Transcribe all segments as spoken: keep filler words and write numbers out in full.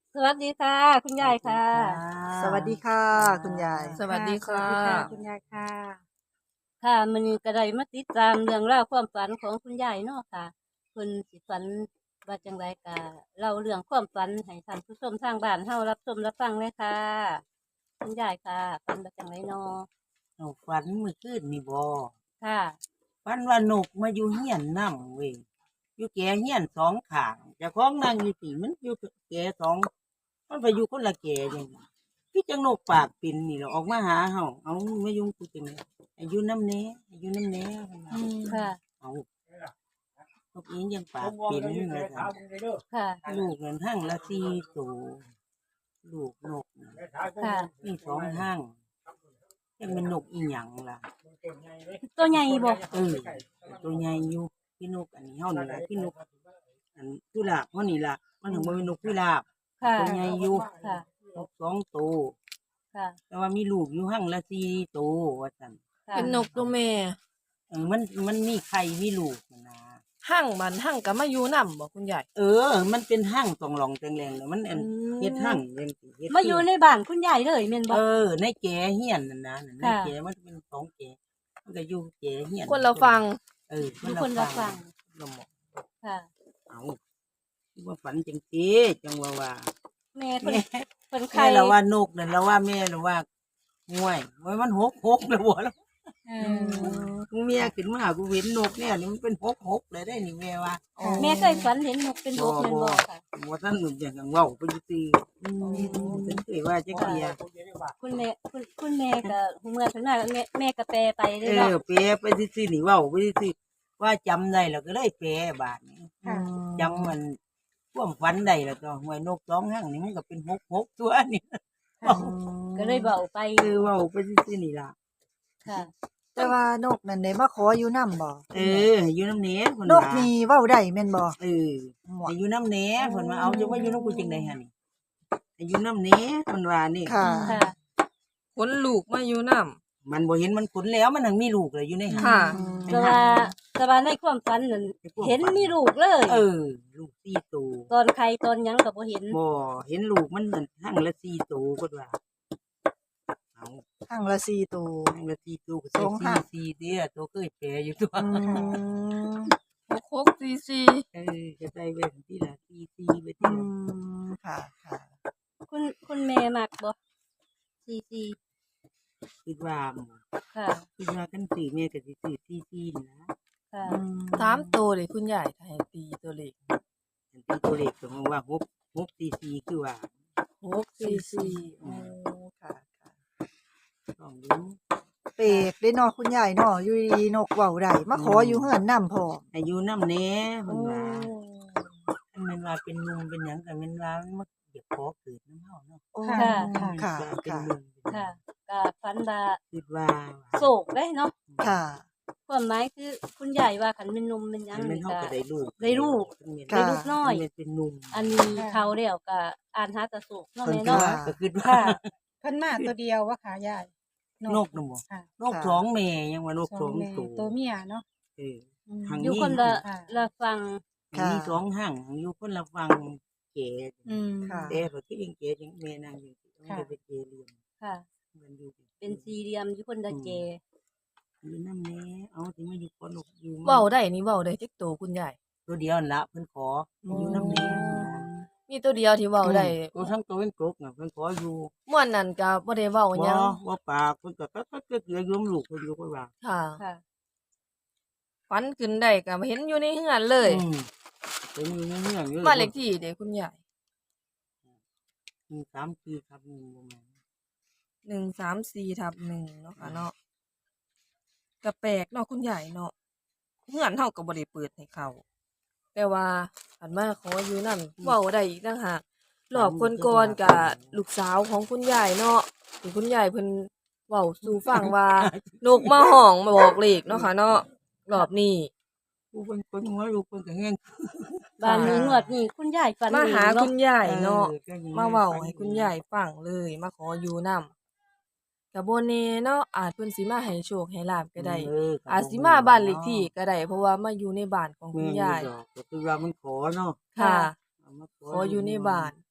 สวัสดีค่ะคุณยายค่ะสวัสดีค่ะคุณยายสวัสดีค่ะสวัสดีค่ะคุณยายค่ะค่ะมื้อนี้ก็ได้มาติดตามเรื่องราวความฝันของคุณยายเนาะค่ะเพิ่นสิฝันว่าจังไดก็เล่าเรื่องความฝันให้ท่านผู้ชมทางบ้านเฮารับชมรับฟังเลยค่ะคุณยายค่ะฝันว่าจังไดเนาะนกฝันเมื่อคืนนี่บ่ค่ะฝันว่านกมาอยู่เฮียนนำเว้ยอยู่แก่เฮียนสองข้างเจ้าของนั่งอยู่ที่มันอยู่แก่สองมันไปอยู่คนละแก่จังซี่คือจังนกปากปิ่นนี่แหละออกมาหาเฮาเอามายุ่งกูจังได๋อายุน้ำแหน่อายุน้ำแหน่เพิ่นว่าค่ะเอานกอียังปากปิ่นว่าซั่นค่ะลูกนั่นทั้งละสี่ตัวลูกนกน่ะค่ะมีสองห้างยังเป็นนกอีหยังล่ะตัวใหญ่บ่เออตัวใหญ่อยู่พี่นกอันนี้เฮานี่ล่ะพี่นกอันกุหลาบเฮานี่ล่ะมันถึงบ่เป็นนกกุหลาบค่ะตัวใหญ่อยู่ค่ะนกสองตัวค่ะแต่ว่ามีลูกอยู่หั่งละสี่ตัวว่าซั่นค่ะเป็นนกตัวแม่เออมันมันมีไข่มีลูกนั่นนะหั่งมันหั่งก็มาอยู่นํบ่คุณยายเออ มันเป็นหั่งตองหลองแตงแรงเลยมันอันอืมเฮ็ดหั่งเฮ็ดเฮ็ดมาอยู่ในบ้านคุณยายเลยแม่นบ่เออในแก่เฮียนนั่นนะในค่ะแก่มันเป็นสองแก่มันก็อยู่แก่เฮียนคนเราฟังเอออยู่คนละฝั่งละหมอกค่ะเอาที่ว่าฝันจังซีจังว่าว่าแม่เพิ่นแม่เพิ่นแม่ไข่เราว่านกนั่นเราว่าแม่เราว่าง่วยว่ามันหกหกแล้วบ่แล้วเออกูเมียขึ้นมากูเห็นนกเนี่ยนี่มันเป็นหกหกเลยได้นี่แม่ว่าแม่เคยฝันเห็นนกเป็นนกแม่นบ่ค่ะบ่ท่านหนุ่มอย่างกังเว้าไปอยู่ตีเป็นเคยว่าจักเทียคุณแม่คุณคุณแม่ก็เมื่อถึงหน้าแม่แม่ก็แปลไปเลเอยเนาะอเปรไปซื่อๆนี่เว้าไปซื่อๆว่าจำได้แล้วก็เลยแปรบาดนี้ค่ะจำมันความฝันได้แล้วก็หวยนกสองห้างนี่มันก็เป็นหกหกตัวนี่ก็เลยเบาไปคือเว้าไปซื่อๆนี่ล่ะค่ะแต่ว่านกนั่นได้มาขออยู่นำบ่เออให้อยู่น้ำเน้เพิ่นนว่ากนี่เว้าได้แม่นบ่เออให้อยู่น้ำเน้เพิ่นว่าเอาจะว่าอยู่น้ำกูจังได๋หั่นนี่ให้อยู่น้ำเน้เพิ่นว่านี่ค่ะค่ะคนลูกมาอยู่นํมันบ่เห็นมันขนแล้วมันถึงมีลูกเลยอยู่ในหั่นค่ะแต่ว่าแต่ว่าในความฝันนั่นเห็นมีลูกเลยเออ ลูกสี่ตัวตอนใครตอนหยังก็บ่เห็นบ่เห็นลูกมันนั่นหั่งละสี่ตัวเพิ่นว่าเอาข้างละสี่ตัวหั่งละสี่ตัวก็สองหั่สี่งสี่เด้อตัวเคยแปรอยู่ตัวอืมหกหกสี่สี่เออจะได้ไว้ที่ละสี่สี่ไว้อืที่ละมค่ะค่ะคุณคุณแม่มักบ่ซีซีคิดว่าหมู่ค่ะคิดว่ากันสี่แม่ก็สิซื้อสี่สี่นี่นะค่ะอืมสามตัวเลยคุณยายถ้าให้ตีตัวเลขอันที่ตัวเลขก็มองว่าหกหกสี่สี่คือว่าหกสี่สี่โอ้ค่ะค่ะต้องดูเปรกได้เนาะคุณยายเนาะอยู่ดีๆนกเว้าได้มาขออยู่เฮือนนำพ่ออายุน้ำแหน่เพิ่โอ้นว่าอันแม่นว่าเป็นนุ่มเป็นหยังก็แม่นว่ามันเดี๋ยวขอเกิดน้ำเฮาเนาะโอ้ค่ะค่ะว่าเป็นค่ะนุ่มเป็นหยัค่ะงก็ฝันว่าคิดว่าโศกได้เนาะค่ะความหมายคือคุณยายว่าคันเป็นหนุ่มเป็นหยังแม่นนี่เฮาก็ก็ได้ลูกได้ลูกแม่นได้ลูกน้อยแม่นเป็นนุ่มอันนี้เขาแล้วก็อ่านหาแตะโศกเนาะเพิ่นแม่คิดเนาะว่าก็คิดว่าค่ะเพิ่นมาตัวเดียววะค่ะยายนกน่ะบ่ค่ะนกสองแม่ยังว่านกสองแม่ตัวตัวเมียเนาะเอออืมทางอยู่คนละค่ะละฟังค่ะมีสองห้างอยู่คนละฝั่งเก๋อืมค่ะแต่พอที่ยังเก๋ยังแม่นางอยู่ที่มันค่ะจะไปเก๋เรียมค่ะมันอยู่เป็นสี่เหลี่ยมอยู่คนละเจอยู่น้ำแน่เอาถึงมาอยู่คนนกอยู่เว้าได้นี่เว้าได้จักตัวคุณยายตัวเดียวนั่นละเพิ่นขออยู่น้ำแน่มีตัวเดียวที่เว้าได้ตัวทั้งตัวเป็นกรกน่ะเพิ่นขออยู่ม่วนนั่นก็บ่ได้เว้าหบ่ยังว่าปากเพิ่นก็ก็ก็เกลือโยมลูกเพิ่นอยู่ก็ว่าค่ะค่ะฝันขึ้นได้ก็เห็นอยู่ในเฮือนเลยอืมเป็นอยู่ในเมืองอยู่บ้านเลขที่เด้คุณยายมีสามปีครับหนึ่งบ่แม่นหนึ่งสามสี่ทับหนึ่งเนาะค่ะเนาะก็แปลกเนาะคุณยายเนาะเฮือนเฮาก็บ่ได้เปิดให้เขาแต่ว่าอันมาขออยู่นั่นเว้าได้อีกต่างหากรอบก่อนๆก็ลูกสาวของคุณยายเนาะที่คุณยายเพิ่นเว้าสู่ฟังว่า นกมาห้องมาบอกเลขเนาะค่ะเนาะรอบนี้ผู้เพิ่นคนหัวลูกเพิ่นก็แห้งบ้านนี้งวดนี้คุณยายฝันมาหาเองคุณเนาะยายเนาะออก็ยังมาเว้าให้คุณยายฟังเลย มาขออยู่นำก็บ่แน่เนาะอาจเพิ่นสิมาให้โชคให้ลาบก็ได้เออก็อาจสิมาบ้านเลขที่ก็ได้เพราะว่ามาอยู่ในบ้านของคุณยายแม่นอยู่ดอกก็คือว่ามันขอเนาะค่ะเอามาขออยู่ในบ้าน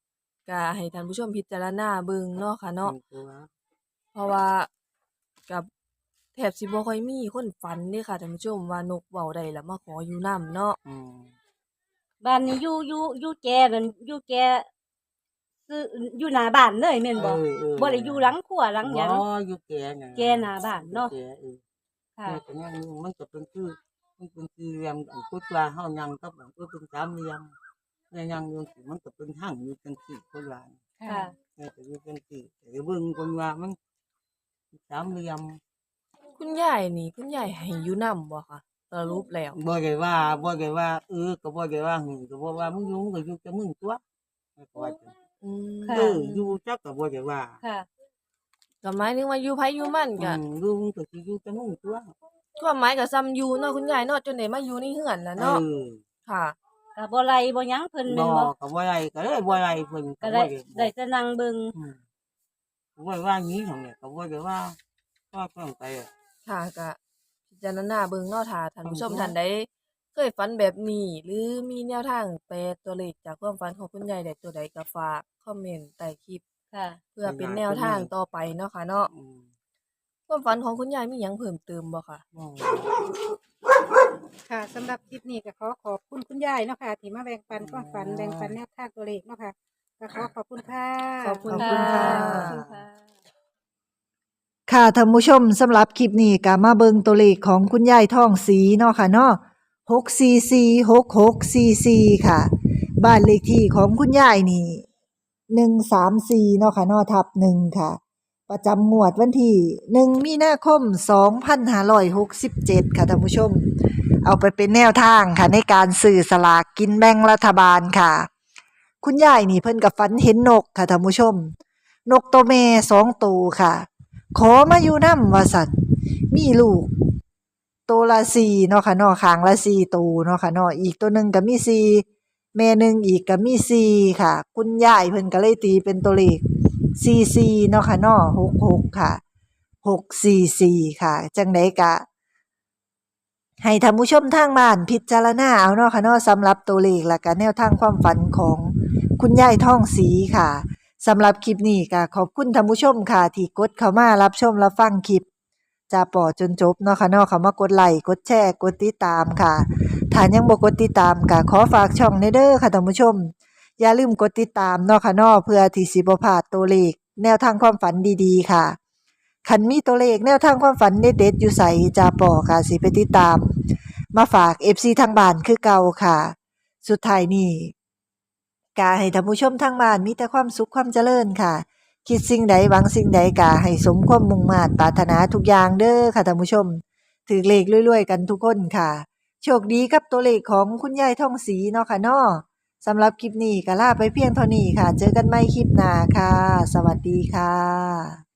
ก็ให้ท่านผู้ชมพิจารณาเบิ่งเนาะค่ะเนาะตัวเพราะว่ากับแทบสิบ่ค่อยมีคนฝันเด้ค่ะท่านผู้ชมว่านกเว้าได้แล้วมาขออยู่นำเนาะอืมบ้านนี้อยู่อยู่อยู่แกนั่นอยู่แกซื้ออยู่หน้าบ้านเลยแม่นบ่เออเออบ่ได้อยู่หลังครัวหลังหยังบ่อยู่แก่น่ะแกหน้าบ้านเนาะแก่เออค่ะแม่ก็ยังอยู่มันก็เป็นคือมันเป็นสี่เหลี่ยมอันพุทธว่าเฮายังกับอันก็เป็นสามเหลี่ยมแม่ยังอยู่สิมันก็เป็นทางอยู่จังซี่คนว่าค่ะแม่ก็อยู่จังซี่แต่เบิ่งคนว่ามันสามเหลี่ยมคุณยายนี่คุณยายให้อยู่นำบ่คะสรุปแล้วบ่ได้ว่าบ่ได้ว่าเออก็บ่ได้ว่าหึงก็บ่ว่ามึงอยู่มึงก็อยู่แต่มึงตัวแม่ก็ว่าจังอืมค่ะเอออยู่จักก็บ่ได้ว่าค่ะก็หมายถึงว่าอยู่ไผอยู่มันอืก็มอยู่มึงก็สิอยู่แต่มึงตัวความหมายก็ซ้ำอยู่เนาะคุณยายเนาะจนได้มาอยู่ในเฮือนแล้วเอเนาะอค่ะก็บ่ไล่บ่หยังเพิ่นบ่แม่นบ่ก็บ่ได้ก็เลยบ่ได้เพิ่นก็ก็ได้บ่ได้ได้แต่นั่งเบิ่งอืมก็บ่ได้ว่างี้หั่นแหละก็บ่ได้ว่าว่าเพิ่นไปอะค่ะก็พิจารณาเบิ่งเนาะถ้าท่านผู้ชมอืมท่านใดเคยฝันแบบนี้ หรือมีแนวทางแปลตัวเลขจากความฝันของคุณยายได้ตัวใดก็ฝากคอมเมนต์ใต้คลิปค่ะเพื่อเป็นแนวทางต่อไปเนาะค่ะเนาะอืมความฝันของคุณยายมีหยังเพิ่มเติมบ่คะบ่ค่ะสำหรับคลิปนี้ก็ขอขอบคุณคุณยายเนาะค่ะที่มาแบ่งปันความฝันแบ่งปันแนวทางตัวเลขเนาะค่ะก็ขอขอบคุณค่ะขอบคุณขอบคุณค่ะขอบคุณค่ะค่ะท่านผู้ชมสำหรับคลิปนี้ก็มาเบิ่งตัวเลขของคุณยายทองศรีเนาะค่ะเนาะหก สี่ สี่ หก หก สี่ สี่ ค่ะ บ้านเลขที่ของคุณยายนี่หนึ่งสามสี่เนาะค่ะเนาะทับหนึ่งค่ะ ประจำงวดวันที่หนึ่งมีนาคมสองพันห้าร้อยหกสิบเจ็ดค่ะท่านผู้ชม เอาไปเป็นแนวทางค่ะในการซื้อสลากกินแบ่งรัฐบาลค่ะ คุณยายนี่เพิ่นกับฝันเห็นนกค่ะท่านผู้ชม นกตัวแม่สองตัวค่ะ ขอมาอยู่นำว่าสัตว์มีลูกตัวละสี่เนาะค่ะเนาะข้างละสี่ตัวเนาะค่ะเนาะอีกตัวหนึ่งก็มีสี่แม่หนึ่งอีกก็มีสี่ค่ะ คุณยายเพิ่นก็เลยตีเป็นตัวเลขสี่สี่เนาะค่ะเนาะหกหกค่ะหกสี่สี่ค่ะ จังไดกะ ให้ท่านผู้ชมทางบ้านพิจารณาเอาเนาะค่ะเนาะสำหรับตัวเลขและก็แนวทางความฝันของคุณยายทองศรีค่ะสำหรับคลิปนี้ก็ขอบคุณท่านผู้ชมค่ะ ที่กดเข้ามารับชมรับฟังคลิปจะปอจนจบเนาะค่ะเนาะเข้ามากดไลค์กดแชร์กดติดตามค่ะถ้ายังบ่กดติดตามก็ขอฝากช่องในเด้อค่ะท่านผู้ชม อย่าลืมกดติดตามเนาะค่ะเนาะเพื่อที่สิบ่พลาดตัวเลขแนวทางความฝันดีๆค่ะคันมีตัวเลขแนวทางความฝันเด็ดๆอยู่ไสจะปอค่ะสิไปติดตาม มาฝาก เอฟ ซี ทางบ้านคือเก่าค่ะ สุดท้ายนี้กาให้ท่านผู้ชมทางบ้านมีแต่ความสุขความเจริญค่ะ คิดสิ่งใดหวังสิ่งใดกาให้สมความมุ่งมา่ปรารถนาทุกอย่างเด้อค่ะท่านผู้ชมถือเลขรวยๆกันทุกคนค่ะ โชคดีกับตัวเลขของคุณยายทองศรีเนาะค่ะเนาะสำหรับคลิปนี้ก็ลาไปเพียงเท่านี้ค่ะ เจอกันใหม่คลิปหน้าค่ะ สวัสดีค่ะ